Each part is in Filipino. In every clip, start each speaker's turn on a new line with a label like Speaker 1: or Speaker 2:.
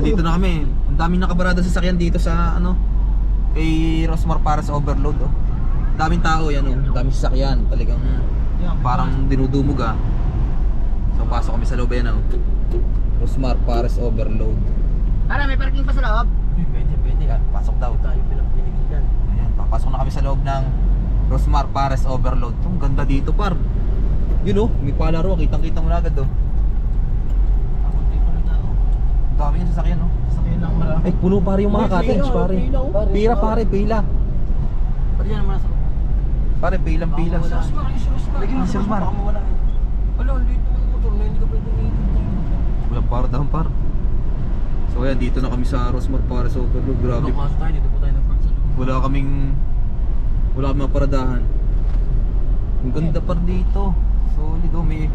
Speaker 1: dito na kami. Ang daming nakabarada sa sasakyan dito sa ano, kay Rosmar para sa overload oh. Daming tao yan oh, daming sasakyan, talagang parang dinudumog ah. So pasok kami sa loob yan oh. Rosmar Pares overload.
Speaker 2: Ara, may parking pa sa loob?
Speaker 1: Pwede ah, pasok daw.
Speaker 3: Tayo pinapinigilan.
Speaker 1: Ayan, papasok na kami sa loob ng Rosmar Pares overload. Ang ganda dito par. Yun oh, may palaro, kitang-kita mo na agad oh.
Speaker 3: Ako di pa na tao.
Speaker 1: Ang dami yung sasakyan oh.
Speaker 3: Sakyan lang malaki.
Speaker 1: Ay puno pare yung mga cottage pare. Pira pare, pila.
Speaker 3: Pwede yan naman nasa.
Speaker 1: Pare, pilang pila.
Speaker 3: Lagi mo
Speaker 1: Sir Mar.
Speaker 3: baka mawala. Wala, dito yung motor na hindi ka pwede umiikot.
Speaker 1: Walang par daw par. So ayan, dito na kami sa Rosmar Pares overload. Grabe.
Speaker 3: Pasok tayo, dito po tayo nag-park sa loob.
Speaker 1: Wala kaming maparadahan. Ang ganda par dito. Solid oh, may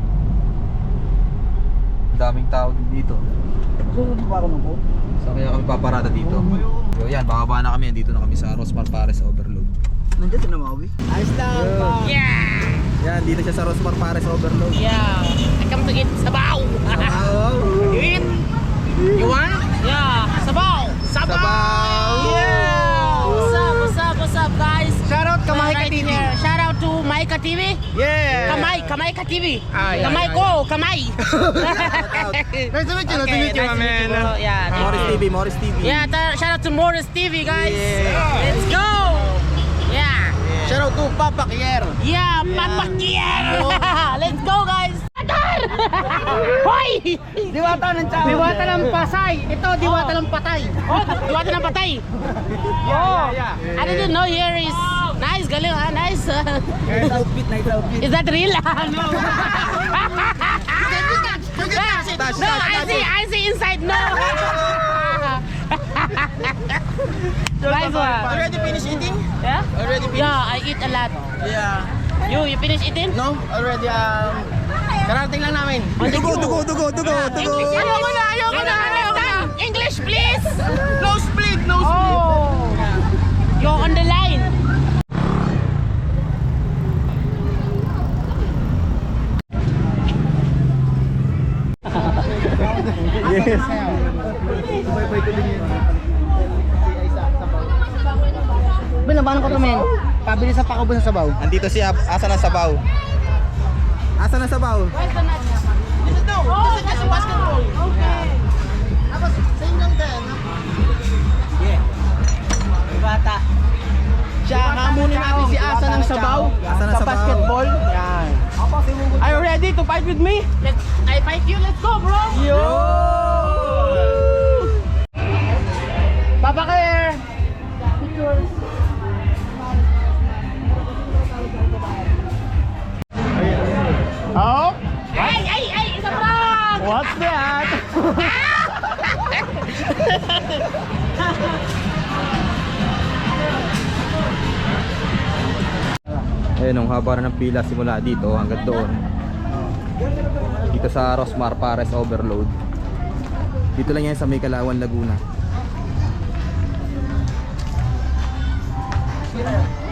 Speaker 1: daming tao din dito.
Speaker 2: Sunod pa ako ng po.
Speaker 1: So kaya kami paparada dito. So yan, bababa na kami. Dito na kami sa Rosmar Pares overload.
Speaker 2: Nandiyan si Namawi. Ayos lang pa.
Speaker 4: Yeah!
Speaker 1: Yan, dito siya sa Rosmar Pares overload.
Speaker 4: Yeah! I come to eat sabaw!
Speaker 1: Sabaw!
Speaker 4: You eat? You want? Yeah! Sabaw!
Speaker 1: Sabaw!
Speaker 4: Yeah! What's up guys?
Speaker 2: Shout out Kamay
Speaker 4: Right
Speaker 2: TV.
Speaker 4: here. Shout out to Maika TV.
Speaker 2: Yeah.
Speaker 4: Kamay Ka TV.
Speaker 2: Ah, yeah,
Speaker 4: Kamay
Speaker 2: yeah,
Speaker 4: ko, Kamay.
Speaker 2: Nice to meet you, my man.
Speaker 4: bro. Yeah. thank
Speaker 1: Morris
Speaker 4: you.
Speaker 1: TV, Morris TV.
Speaker 4: Yeah, shout out to Morris TV guys.
Speaker 2: Yeah.
Speaker 4: Let's go! Yeah!
Speaker 2: Shout out to Papa Kier.
Speaker 4: Yeah, Papa Kier! Let's go guys! Hoy!
Speaker 2: Diwata ng tao.
Speaker 4: Diwata ng Pasay. Ito, diwata ng patay. Oh, diwata ng patay. Oh, I didn't know here is nice, galing ha, nice.
Speaker 2: Nice outfit, nice outfit.
Speaker 4: Is that real? No. No, I see inside. No. Nice one.
Speaker 2: Already finished eating?
Speaker 4: Yeah?
Speaker 2: Already finished?
Speaker 4: Yeah, I eat a lot.
Speaker 2: Yeah.
Speaker 4: You finish eating?
Speaker 2: No, already karating lang namin.
Speaker 1: Dugo.
Speaker 4: English. Ayoko na. English, please.
Speaker 2: No split, no split.
Speaker 4: Oh, you're on the line.
Speaker 1: Yes.
Speaker 2: Binabahan ko naman. Pabili sa pakubos ng sabaw.
Speaker 1: Andito si Asa ng Sabaw. Asa ng Sabaw?
Speaker 2: Dito daw.
Speaker 4: Oh,
Speaker 2: Dito sa basketball.
Speaker 4: Okay.
Speaker 2: Tapos sa inyong din. Sige. Bata. Siya, hamunin natin si Asa ng Sabaw.
Speaker 1: Asa ng
Speaker 2: Sa
Speaker 1: Sabaw.
Speaker 2: basketball. Yan. Are you ready to fight with me?
Speaker 4: I fight you. Let's go, bro.
Speaker 2: Yo! Papa Kier! Oh?
Speaker 4: Hey, it's a prank.
Speaker 2: What's that?
Speaker 1: Ayun, ang haba na ng pila simula dito hanggang doon. Dito sa Rosmar Pares overload. Dito lang yan sa May Kalawan, Laguna.